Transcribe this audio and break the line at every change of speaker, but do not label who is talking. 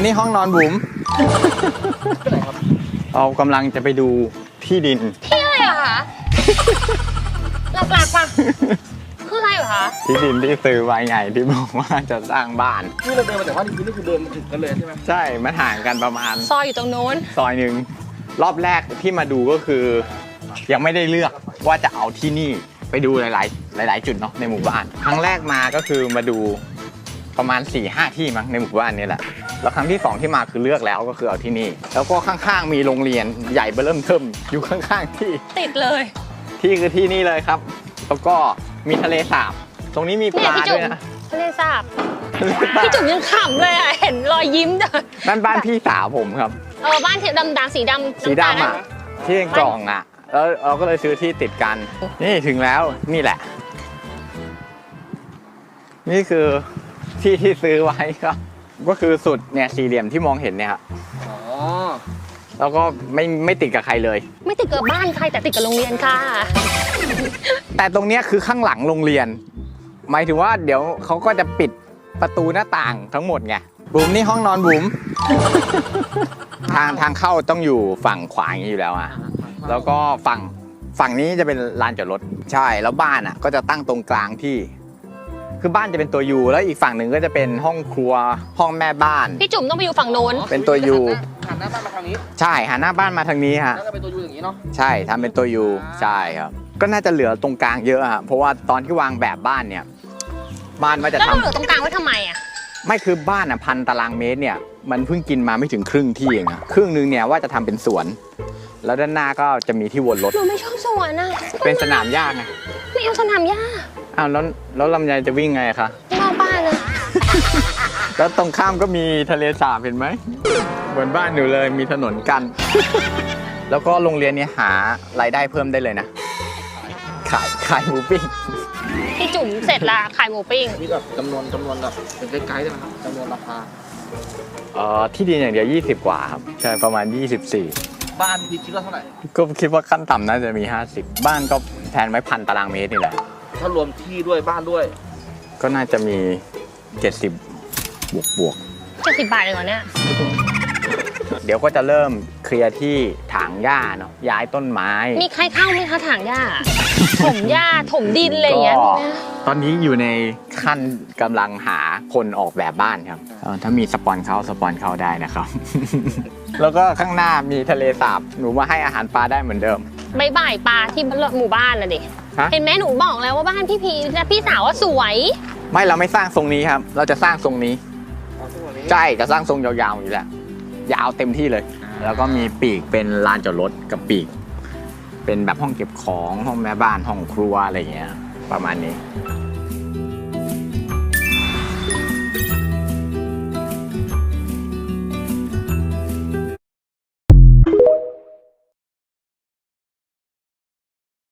นี่ห้องนอนบุ๋มเรากำลังจะไปดูที่ดิน
ที่อะไรเหรอคะหลักๆป่ะคืออะไรเหรอคะ
ที่ดินที่ซื้อไว้ไงที่บอกว่าจะสร้างบ้าน
นี่เราเดินมาแต่ว่านี่คือเดินมาถึงกันเลยใช่ไหม
ใช่มันห่างกันประมาณ
ซอยอยู่ตรงนู้น
ซอยหนึ่งรอบแรกที่มาดูก็คือยังไม่ได้เลือกว่าจะเอาที่นี่ไปดูหลายจุดเนาะในหมู่บ้านครั้งแรกมาก็คือมาดูประมาณ 4-5 ที่มั้งในหมู่บ้านนี่แหละแล้วครั้งที่2ที่มาคือเลือกแล้วก็คือเอาที่นี่แล้วก็ข้างๆมีโรงเรียนใหญ่เบิ่มเทิ่มอยู่ข้างๆที่
ติดเลย
ที่คือที่นี่เลยครับแล้วก็มีทะเลสาบตรงนี้มีปลาด้วยนะ
ทะเลสาบพี่จุ๋มยังขำเลยอ่ะเห็นรอยยิ้มจ้ะ
นั่นบ้านพี่สาวผมครับ
บ้านดำสีดำ
อ่ะที่กล่องอ่ะแล้วเราก็เลยซื้อที่ติดกันนี่ถึงแล้วนี่แหละนี่คือที่ซื้อไว้ครับก็คือสุดเนี่ยสี่เหลี่ยมที่มองเห็นเนี่ยครับแล้วก็ไม่ติดกับใครเลย
ไม่ติดกับบ้านใครแต่ติดกับโรงเรียนค่ะ
แต่ตรงเนี้ยคือข้างหลังโรงเรียนหมายถึงว่าเดี๋ยวเขาก็จะปิดประตูหน้าต่างทั้งหมดไงบุ๋มนี่ห้องนอนบุ๋มทางเข้าต้องอยู่ฝั่งขวาอย่างนี้อยู่แล้วอ่ะแล้วก็ฝั่งนี้จะเป็นลานจอดรถใช่แล้วบ้านอ่ะก็จะตั้งตรงกลางที่คือบ้านจะเป็นตัวยูแล้วอีกฝั่งหนึ่งก็จะเป็นห้องครัวห้องแม่บ้าน
พี่จุ๋มต้องไปอยู่ฝั่งโน้น
เป็นตัวยู
หันหน้าบ้านมาทางนี้
ใช่หันหน้าบ้านมาทางนี้ฮะ
แล้วก็เป็นตัวยูอย่างนี้เนาะ
ใช่ทำเป็นตัวยูใช่ครับก็น่าจะเหลือตรงกลางเยอะอะเพราะว่าตอนที่วางแบบบ้านเนี่ยบ้านว่าจะทำ
แล้วเหลือตรงกลางไว้ทำไมอะ
ไม่คือบ้านอ่ะ1,000 ตารางเมตรเนี่ยมันเพิ่งกินมาไม่ถึงครึ่งที่เองอะครึ่งนึงเนี่ยว่าจะทำเป็นสวนแล้วด้านหน้าก็จะมีที่วนรถ
หนูไม่ชอบสวนอะ
เป็นสนามหญ้าไง
ไม่เอาสนามหญ้า
อ้าวแล้วลำไยจะวิ่งไงคะ
นอกบ้านเลย
แล้วตรงข้ามก็มีทะเลสาบเห็นไหมเหมือนบ้านหนูเลยมีถนนกันแล้วก็โรงเรียนนี้หารายได้เพิ่มได้เลยนะขายหมูปิ้ง
พี่จุ๋มเสร็จละขายหมูปิ้ง
นี่แบบจำนวนแบบเป็นไกด์ได้ไหมครับจำนวนราคา
ที่ดินอย่างเดียว20 กว่าครับใช่ประมาณ24
บ้านพี่คิดว่าเท่าไหร่
ก็คิดว่าขั้นต่ำน่าจะมี50บ้านก็แทนไว้1,000 ตารางเมตรนี่แหละ
ถ้ารวมที่ด้วยบ้านด้วย
ก็น่าจะมี70บวก
70 บาทเลยเหรอเนี่ย
เดี๋ยวก็จะเริ่มเคลียร์ที่ถางหญ้าเนาะย้ายต้นไม้
มีใครเข้าไหมคะถางหญ้าถมหญ้าถมดินอะไรอย่างเงี้ย
ตอนนี้อยู่ในขั้นกำลังหาคนออกแบบบ้านครับถ้ามีสปอนเข้าได้นะครับแล้วก็ข้างหน้ามีทะเลสาบหนูมาให้อาหารปลาได้เหมือนเดิม
บ่ายปลาที่หมู่บ้านน่ะดิเห็นไหมหนูบอกแล้วว่าบ้านพี่พีและพี่สาวว่าสวย
ไม่เราไม่สร้างทรงนี้ครับเราจะสร้างทรงนี้ใช่จะสร้างทรงยาวๆอยู่แหละยาวเต็มที่เลยแล้วก็มีปีกเป็นลานจอดรถกับปีกเป็นแบบห้องเก็บของห้องแม่บ้านห้องครัวอะไรอย่างเงี้ยประมาณนี้